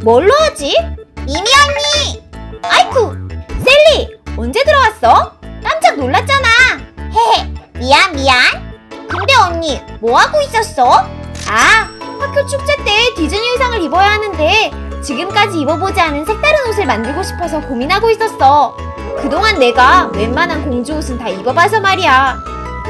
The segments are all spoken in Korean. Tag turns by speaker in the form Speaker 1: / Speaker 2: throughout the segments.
Speaker 1: 뭘로 하지? 미미 언니! 아이쿠! 셀리! 언제 들어왔어? 깜짝 놀랐잖아! 헤헤, 미안. 근데 언니, 뭐하고 있었어? 아, 학교 축제 때 디즈니 의상을 입어야 하는데 지금까지 입어보지 않은 색다른 옷을 만들고 싶어서 고민하고 있었어. 그동안 내가 웬만한 공주 옷은 다 입어봐서 말이야.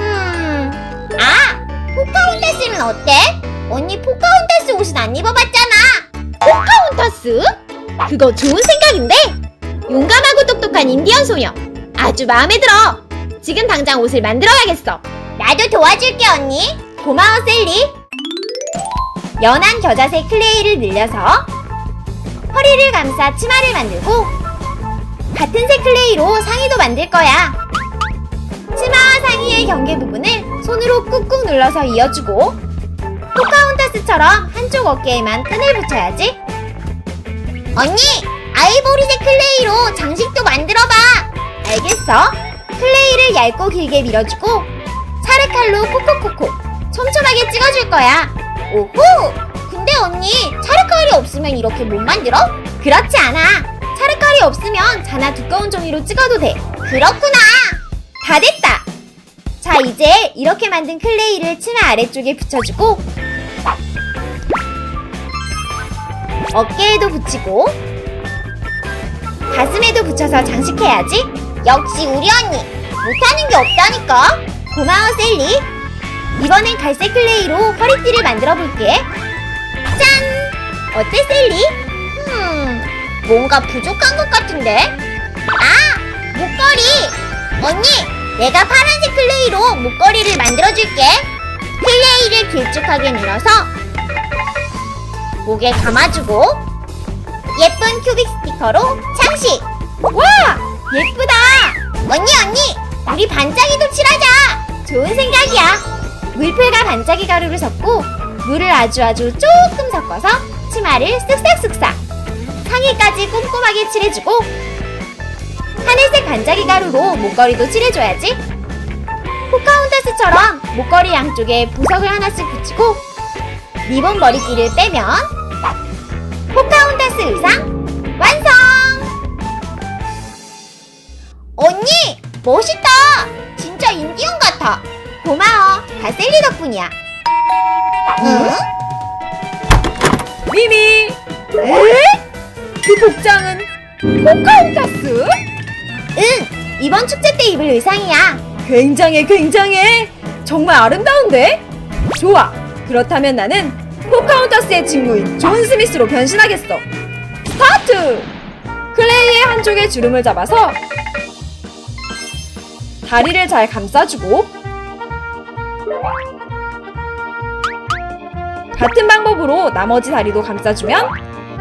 Speaker 1: 포카혼타스는 어때? 언니 포카혼타스 옷은 안 입어봤잖아. 포카혼타스? 그거 좋은 생각인데? 용감하고 똑똑한 인디언 소녀. 아주 마음에 들어. 지금 당장 옷을 만들어야겠어. 나도 도와줄게 언니. 고마워 셀리. 연한 겨자색 클레이를 늘려서 허리를 감싸 치마를 만들고 같은 색 클레이로 상의도 만들 거야. 치마와 상의의 경계 부분을 손으로 꾹꾹 눌러서 이어주고 포카혼타스처럼 한쪽 어깨에만 끈을 붙여야지. 언니! 아이보리색 클레이로 장식도 만들어봐! 알겠어. 클레이를 얇고 길게 밀어주고 찰흙칼로 콕콕콕콕 촘촘하게 찍어줄 거야. 오호! 근데 언니, 찰흙칼이 없으면 이렇게 못 만들어? 그렇지 않아. 찰흙칼이 없으면 자나 두꺼운 종이로 찍어도 돼. 그렇구나. 다 됐다. 자, 이제 이렇게 만든 클레이를 치마 아래쪽에 붙여주고 어깨에도 붙이고 가슴에도 붙여서 장식해야지. 역시 우리 언니, 못하는 게 없다니까. 고마워 셀리. 이번엔 갈색 클레이로 허리띠를 만들어 볼게. 짠! 어때 셀리? 뭔가 부족한 것 같은데? 아! 목걸이! 언니! 내가 파란색 클레이로 목걸이를 만들어줄게. 클레이를 길쭉하게 밀어서 목에 감아주고 예쁜 큐빅 스티커로 장식! 와! 예쁘다! 언니! 우리 반짝이도 칠하자! 좋은 생각이야. 물풀과 반짝이 가루를 섞고 물을 아주 조금 섞어서 치마를 쓱싹 상의까지 꼼꼼하게 칠해주고 하늘색 반짝이 가루로 목걸이도 칠해줘야지. 포카혼타스처럼 목걸이 양쪽에 보석을 하나씩 붙이고 리본 머리띠를 빼면 포카혼타스 의상 완성! 언니! 멋있다! 진짜 인디언 같아. 고마워. 다 셀리 덕분이야. 응?
Speaker 2: 미미! 에? 그 복장은 포카혼타스?
Speaker 1: 응! 이번 축제 때 입을 의상이야.
Speaker 2: 굉장해! 정말 아름다운데? 좋아! 그렇다면 나는 포카혼타스의 친구인 존 스미스로 변신하겠어. 스타트! 클레이의 한쪽에 주름을 잡아서 다리를 잘 감싸주고 같은 방법으로 나머지 다리도 감싸주면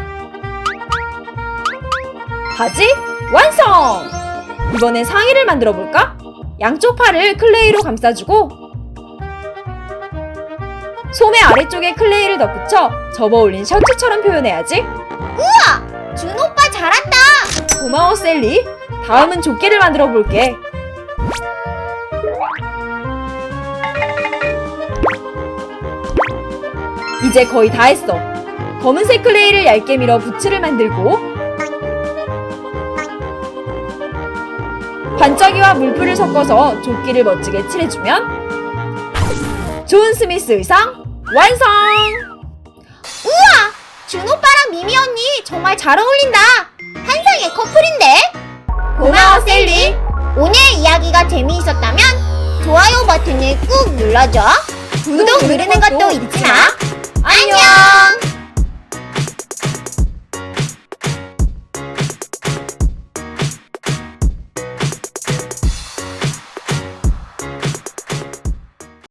Speaker 2: 바지 완성! 이번엔 상의를 만들어 볼까? 양쪽 팔을 클레이로 감싸주고 소매 아래쪽에 클레이를 덧붙여 접어올린 셔츠처럼 표현해야지.
Speaker 1: 우와! 준 오빠 잘한다!
Speaker 2: 고마워 셀리. 다음은 조끼를 만들어 볼게. 이제 거의 다 했어. 검은색 클레이를 얇게 밀어 부츠를 만들고 반짝이와 물풀을 섞어서 조끼를 멋지게 칠해주면 존 스미스 의상 완성!
Speaker 1: 우와! 준 오빠랑 미미 언니 정말 잘 어울린다. 한상의 커플인데? 고마워 셀리. 오늘 이야기가 재미있었다면 좋아요 버튼을 꾹 눌러줘. 구독 누르는 것도 잊지 마. 안녕!